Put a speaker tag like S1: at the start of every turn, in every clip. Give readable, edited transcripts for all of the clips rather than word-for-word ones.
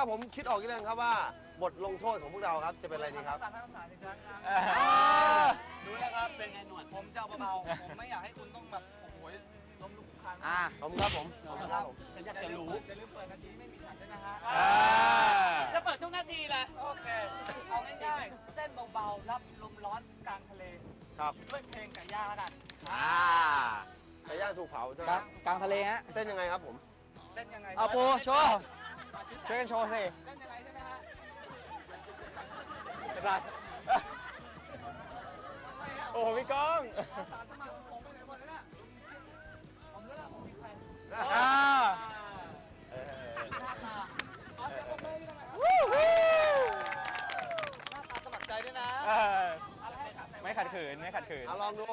S1: ผมคิดออกยังครับว่าบทลงโทษของพวกเราครับจะเป็นอะไรดีครับ
S2: ทั้งสารอีกครั้งครับดูแล้วครับเป็นไงหนวดผมจะเบาๆผมไม่อยากให้คุณต้องแบบโอ้โหล้มลุกคลุกคลาน
S1: ขอบคุณครับผมขอบคุณครับผม
S2: ฉันอยากจะรู้จะลืมเปิดนาทีไม่มีฉันด้วยนะฮะ
S3: จะเปิดทุกนาทีเลย
S2: โอเคเอาง่ายๆเต้นเบาๆรับลมร้อนกลางทะเล
S1: ครับ
S2: ด้วยเพลงไก่ย่างแล้วกัน
S1: ไก่ย่างถูกเผาใช่ไหม
S4: กลางทะเลฮะ
S1: เต้นยังไงครับผม
S2: เต้นยังไง
S4: เอาปูโชว์ช่วยกันโชว์สิ
S2: เต้นยังไงใช่ไหมฮะ
S4: ไปโอ้โหพี่ก้อง
S2: อาสาสมัครผมไปไหนหมดแล้วเนี่ยผมรู้แล้วผมมีใคร หน้าตาขอเสียงปรบมือให้หน่อยครับหน้าตาสมัครใจด้วยนะอะไรให้ขัด
S4: ไม่ขัดขืนไม่ขัดขืน
S1: เอาลองดู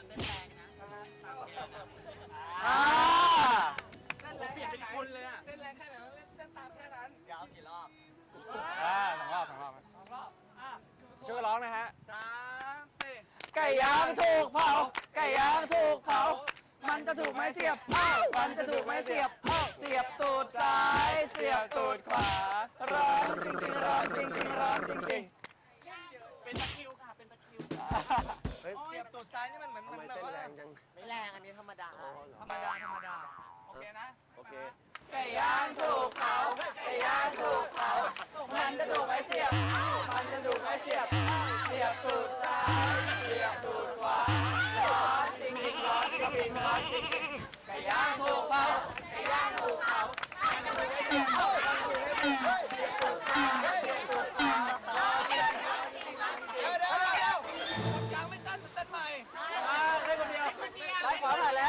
S2: เปลี่ยนเป็นคุณเลยอะเต้นแรงแค่ไหนเต้นตามแค่นั้นยาวกี่รอบ
S4: สองรอบ
S2: 2 รอบ
S4: ช่วยร้องนะฮะ
S2: 3 4
S4: ไก่ย่างถูกเผา ไก่ย่างถูกเผา มันจะถูกไม้เสียบมันจะถูกไม้เสียบเสียบตูดซ้าย เสียบตูดขวา ร้อนจริงๆร้อนจริงๆร้อนจริง
S3: เป็นตะคริวค่ะ เป็นตะคริว
S1: เฮ้ย
S2: เสียบตูดซ้ายนี่มันเหมือน
S1: ทำไม
S2: แบบ
S1: เต้น
S2: ว่า
S1: แรงจัง
S3: ไม่แรงอันนี้ธรรมดา
S1: อ๋อเหรอ
S2: ธรรมดาโอเคนะ
S1: โอเค
S4: ๆไก่ย่างถูกเผา ไก่ย่างถูกเผา มันจะถูกไม้เสียบ มันจะถูกไม้เสียบ เสียบตูดซ้าย เสียบตูดขวา ร้อนจริงๆร้อนจริงๆร้อนจริงๆไก่ย่างถูกเผา ไก่ย่างถูกเผา มันจะถูกไม้เสียบ มันถูกไม้เสียบ เสียบตูดซ้าย เสียบตูดขวา ร้อนจริงๆร้อนจริงๆร้อนจริง
S2: เดี๋ยวกลางไม่เต้นเต้นใหม่
S4: ได้คนเดียวได้ขวาหน่อยแล้ว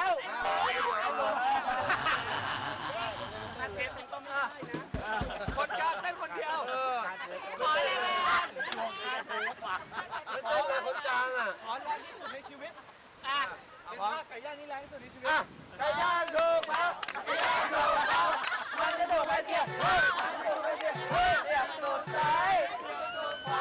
S2: คนกลางเต้นคนเดียว
S3: ขอเลยเลย
S1: ไม่เต้นเลยคนกลางอ่ะ
S2: ขอแรงที่สุดในชีวิต
S3: อ่ะ
S2: เป็นท่าไก่ย่างนี่แรงที่สุดในชีวิต
S1: ไก่ย่างถูกเผา
S4: ไก่ย่างถูกเผา มันจะถูกไม้เสียบ มันจะถูกไม้เสียบ เสียบตูดซ้าย เสียบตูดขวา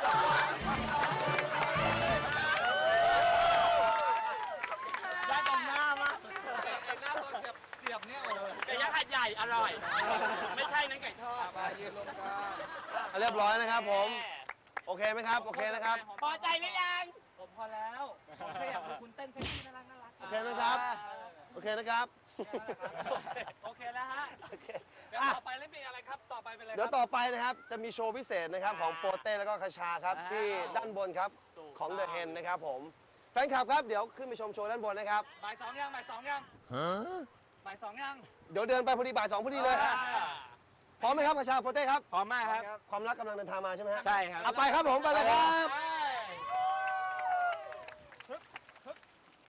S2: ได้ตรงหน้ามากไอ้หน้าตอนเสียบเนี่ยโอ้
S3: ไก่ย่างหัดใหญ่ อร่อย ไม่ใช่นั้นไก่ทอด
S1: เรียบร้อยนะครับผม โอเคไหมครับ โอเคนะครับ
S3: พอใจหรือยัง
S2: ผมพอแล้วผมแค่อยากดูคุณเต้นเซ็กซี่น่ารัก
S1: โอเคนะครับ โอเคนะครับ
S2: โอเคแล้วฮะ
S1: โอเค
S2: เดี๋ยว
S1: อ่ะ
S2: ต่อไปเล่นเพลงอะไรครับต่อไปเป็นอะไร
S1: เดี๋ยวต่อไปนะครับ จะมีโชว์พิเศษนะครับของโปเต้แล้วก็คาชาครับ ที่ด้านบนครับของเดอะเฮนนะครับผม แฟนคลับครับ เดี๋ยวขึ้นไปชมโชว์ด้านบนนะครับ
S2: บ่ายสองยังบ่ายสองยังบ่ายสองยัง
S1: เดี๋ยวเดินไปพอดีบ่าย 2พอดีเลย พร้อมไหมครับคาชาโปเต้ครับ
S4: พร้อมมากครับ
S1: ความรักกำลังเดินทางมาใช่ไหมฮะ
S4: ใช่ครับ
S1: เอาไปครับผมไปเลยครับ
S2: อ่า